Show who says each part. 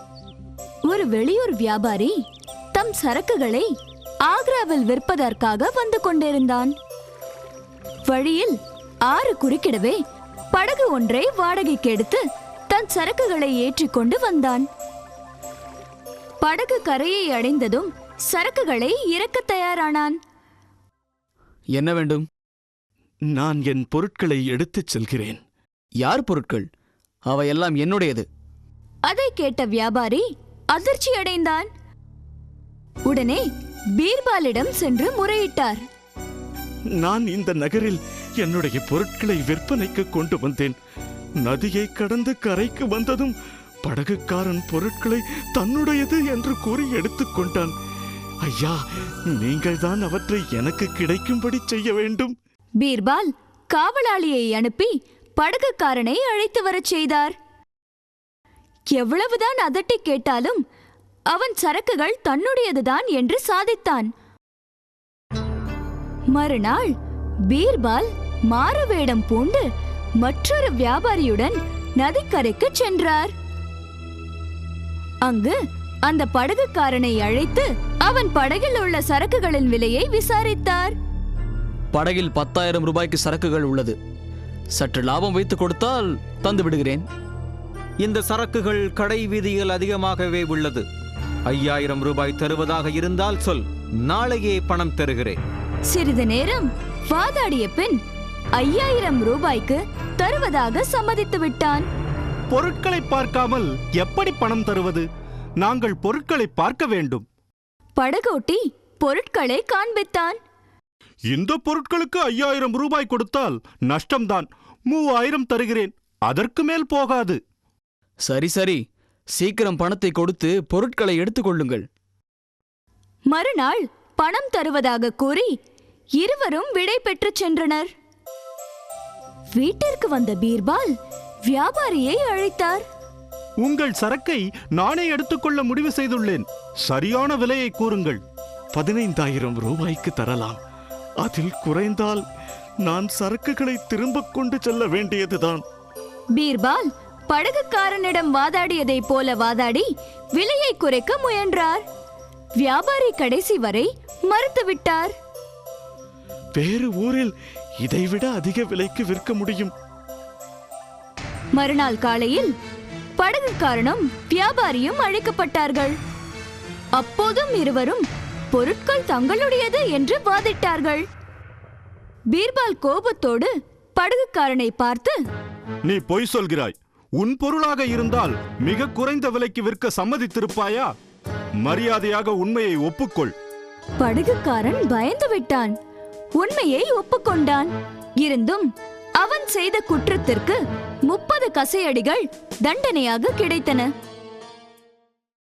Speaker 1: ஒரு வெளியூர் வியாபாரி தம் சரக்குகளை ஆக்ராவில் விற்பதற்காக வந்து கொண்டிருந்தான். வழியில் ஆறு குறுக்கிடவே படகு ஒன்றை வாடகைக்கு எடுத்து தன் சரக்குகளை ஏற்றிக்கொண்டு வந்தான். படகு கரையை அடைந்ததும் சரக்குகளை இறக்க தயாரானான்.
Speaker 2: என்ன வேண்டும்?
Speaker 3: நான் என் பொருட்களை எடுத்துச் செல்கிறேன்.
Speaker 2: யார் பொருட்கள்? அவையெல்லாம் என்னுடையது.
Speaker 1: அதை கேட்ட வியாபாரி அதிர்ச்சி அடைந்தான். உடனே பீர்பாலிடம் சென்று முறையிட்டார்.
Speaker 3: நான் இந்த நகரில் என்னுடைய பொருட்களை விற்பனைக்கு கொண்டு வந்தேன். நதியை கடந்து கரைக்கு வந்ததும் படகுக்காரன் பொருட்களை தன்னுடையது என்று கூறி எடுத்துக்கொண்டான். ஐயா, நீங்கள்தான் அவற்றை எனக்கு கிடைக்கும்படி செய்ய வேண்டும்.
Speaker 1: பீர்பால் காவலாளியை அனுப்பி படகுக்காரனை அழைத்து வரச் செய்தார். எவ்வளவுதான் அதட்டி கேட்டாலும் அவன் சரக்குகள் தன்னுடையதுதான் என்று சாதித்தான். மறுநாள் பீர்பால் மாறுவேடம் பூண்டு மற்றொரு வியாபாரியுடன் நதிக்கரைக்கு சென்றார். அங்கு அந்த படகுக்காரனை அழைத்து அவன் படகில் உள்ள சரக்குகளின் விலையை விசாரித்தார்.
Speaker 2: படகில் 10,000 ரூபாய்க்கு சரக்குகள் உள்ளது. சற்று லாபம் வைத்து கொடுத்தால் தந்து விடுகிறேன்.
Speaker 4: இந்த சரக்குகள் கடை வீதியில் அதிகமாகவே உள்ளது. 5,000 ரூபாய் தருவதாக இருந்தால் சொல், நாளையே பணம் தருகிறேன்.
Speaker 1: சிறிது நேரம் வாதாடிய பின் 5,000 ரூபாய்க்கு தருவதாக சம்மதித்து விட்டான்.
Speaker 5: பொருட்களை பார்க்காமல் எப்படி பணம் தருவது? நாங்கள் பொருட்களை பார்க்க வேண்டும்.
Speaker 1: படகோட்டி பொருட்களை காண்பித்தான்.
Speaker 5: இந்த பொருட்களுக்கு 5,000 ரூபாய் கொடுத்தால் நஷ்டம்தான். 3,000 தருகிறேன். அதற்கு மேல் போகாது.
Speaker 2: சரி சரி, சீக்கிரம் பணத்தை கொடுத்து பொருட்களை எடுத்துக்கொள்ளுங்கள்.
Speaker 1: மறுநாள் பணம் தருவதாக கூறி இருவரும் விடை பெற்று சென்றனர். வீட்டிற்கு வந்த பீர்பால் வியாபாரியை அழைத்தார்.
Speaker 5: உங்கள் சரக்கை நானே எடுத்துக்கொள்ள முடிவு செய்துள்ளேன். சரியான விலையை கூறுங்கள்.
Speaker 3: 15,000 ரூபாய்க்கு தரலாம். அதில் குறைந்தால் நான் சரக்குகளை திரும்ப கொண்டு செல்ல வேண்டியதுதான்.
Speaker 1: பீர்பால் படகுக்காரனிடம் வாதாடியதை போல வாதாடி விலையை குறைக்க முயன்றார். வியாபாரி கடைசி வரை மறுத்துவிட்டார்.
Speaker 3: வேறு ஊரில் இதைவிட அதிக விலைக்கு விற்க முடியும்.
Speaker 1: மறுநாள் காலையில் படகுக்காரனும் வியாபாரியும் அழைக்கப்பட்டார்கள். அப்போதும் இருவரும் பொருட்கள் தங்களுடையது என்று வாதிட்டார்கள். பீர்பால் கோபத்தோடு படகுக்காரனை பார்த்து,
Speaker 5: நீ பொய் சொல்கிறாய். உன் பொருளாக இருந்தால் மிக குறைந்த விலைக்கு விற்க சம்மதித்திருப்பாயா? மரியாதையாக உண்மையை ஒப்புக்கொள்.
Speaker 1: படகுக்காரன் பயந்து விட்டான். உண்மையை ஒப்புக்கொண்டான். இருந்தும் அவன் செய்த குற்றத்திற்கு 30 கசையடிகள் தண்டனையாக கிடைத்தன.